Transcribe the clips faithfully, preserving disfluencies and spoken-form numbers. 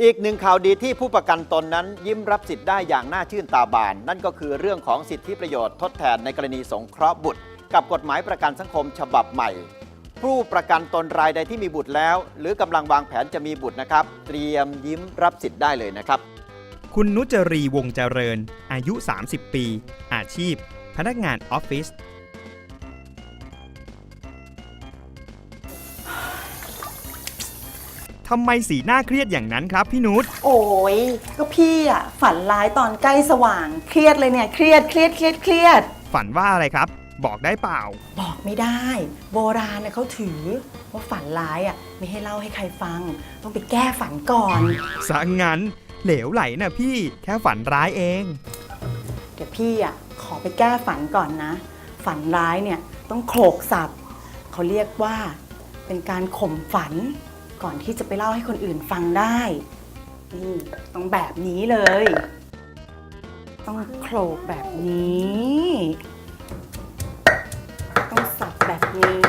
อีกหนึ่งข่าวดีที่ผู้ประกันตนนั้นยิ้มรับสิทธิ์ได้อย่างน่าชื่นตาบานนั่นก็คือเรื่องของสิทธิประโยชน์ทดแทนในกรณีสงเคราะห์บุตรกับกฎหมายประกันสังคมฉบับใหม่ผู้ประกันตนรายใดที่มีบุตรแล้วหรือกำลังวางแผนจะมีบุตรนะครับเตรียมยิ้มรับสิทธิ์ได้เลยนะครับคุณนุจรีวงเจริญอายุสามสิบปีอาชีพพนักงานออฟฟิศทำไมสีหน้าเครียดอย่างนั้นครับพี่นุชโอ้ยก็พี่อ่ะฝันร้ายตอนใกล้สว่างเครียดเลยเนี่ยเครียดเครียดเครียดเครียดฝันว่าอะไรครับบอกได้เปล่าบอกไม่ได้โบราณนะเขาถือว่าฝันร้ายอ่ะไม่ให้เล่าให้ใครฟังต้องไปแก้ฝันก่อนซะงั้นเหลวไหลนะพี่แค่ฝันร้ายเองเดี๋ยวพี่อ่ะขอไปแก้ฝันก่อนนะฝันร้ายเนี่ยต้องโขลกศัพท์เขาเรียกว่าเป็นการข่มฝันก่อนที่จะไปเล่าให้คนอื่นฟังได้นี่ต้องแบบนี้เลยต้องโขลกแบบนี้ต้องสับแบบนี้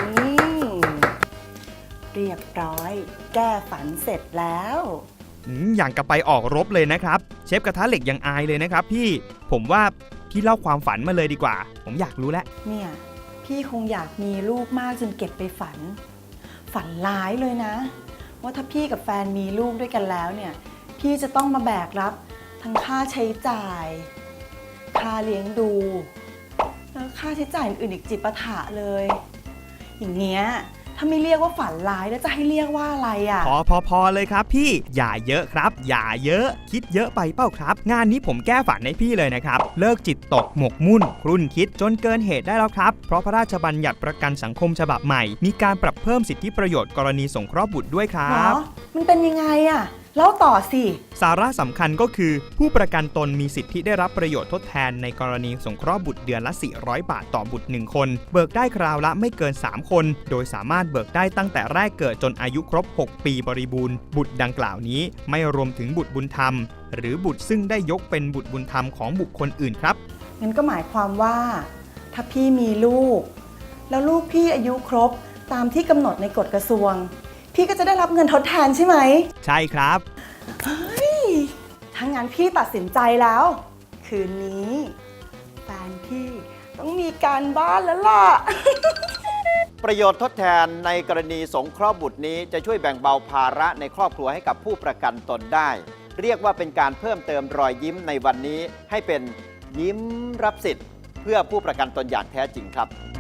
เรียบร้อยแก้ฝันเสร็จแล้วอย่างกับไปออกรบเลยนะครับเชฟกระทะเหล็กยังอายเลยนะครับพี่ผมว่าพี่เล่าความฝันมาเลยดีกว่าผมอยากรู้แล้วเนี่ยพี่คงอยากมีลูกมากจนเก็บไปฝันฝันร้ายเลยนะว่าถ้าพี่กับแฟนมีลูกด้วยกันแล้วเนี่ยพี่จะต้องมาแบกรับทั้งค่าใช้จ่ายค่าเลี้ยงดูแล้วค่าใช้จ่ายอื่นอีกจิปาถะเลยอย่างเงี้ยถ้าไม่เรียกว่าฝันร้ายแล้วจะให้เรียกว่าอะไรอ่ะพอพอพอเลยครับพี่อย่าเยอะครับอย่าเยอะคิดเยอะไปเปล่าครับงานนี้ผมแก้ฝันให้พี่เลยนะครับเลิกจิตตกหมกมุ่นครุ่นคิดจนเกินเหตุได้แล้วครับเพราะพระราชบัญญัติประกันสังคมฉบับใหม่มีการปรับเพิ่มสิทธิประโยชน์กรณีสงเคราะห์บุตรด้วยครับมันเป็นยังไงอ่ะเล่าต่อสิสาระสำคัญก็คือผู้ประกันตนมีสิทธิได้รับประโยชน์ทดแทนในกรณีสงเคราะห์บุตรเดือนละสี่ร้อยบาทต่อบุตรหนึ่งคนเบิกได้คราวละไม่เกินสามคนโดยสามารถเบิกได้ตั้งแต่แรกเกิดจนอายุครบหกปีบริบูรณ์บุตรดังกล่าวนี้ไม่รวมถึงบุตรบุญธรรมหรือบุตรซึ่งได้ยกเป็นบุตรบุญธรรมของบุคคลอื่นครับงั้นก็หมายความว่าถ้าพี่มีลูกแล้วลูกพี่อายุครบตามที่กำหนดในกฎกระทรวงพี่ก็จะได้รับเงินทดแทนใช่ไหมใช่ครับเฮ้ยถ้างั้นพี่ตัดสินใจแล้ว คืนนี้แฟนพี่ต้องมีการบ้านแล้วล่ะประโยชน์ทดแทนในกรณีสงเคราะห์บุตรนี้จะช่วยแบ่งเบาภาระในครอบครัวให้กับผู้ประกันตนได้เรียกว่าเป็นการเพิ่มเติมรอยยิ้มในวันนี้ให้เป็นยิ้มรับสิทธิ์เพื่อผู้ประกันตนอย่างแท้จริงครับ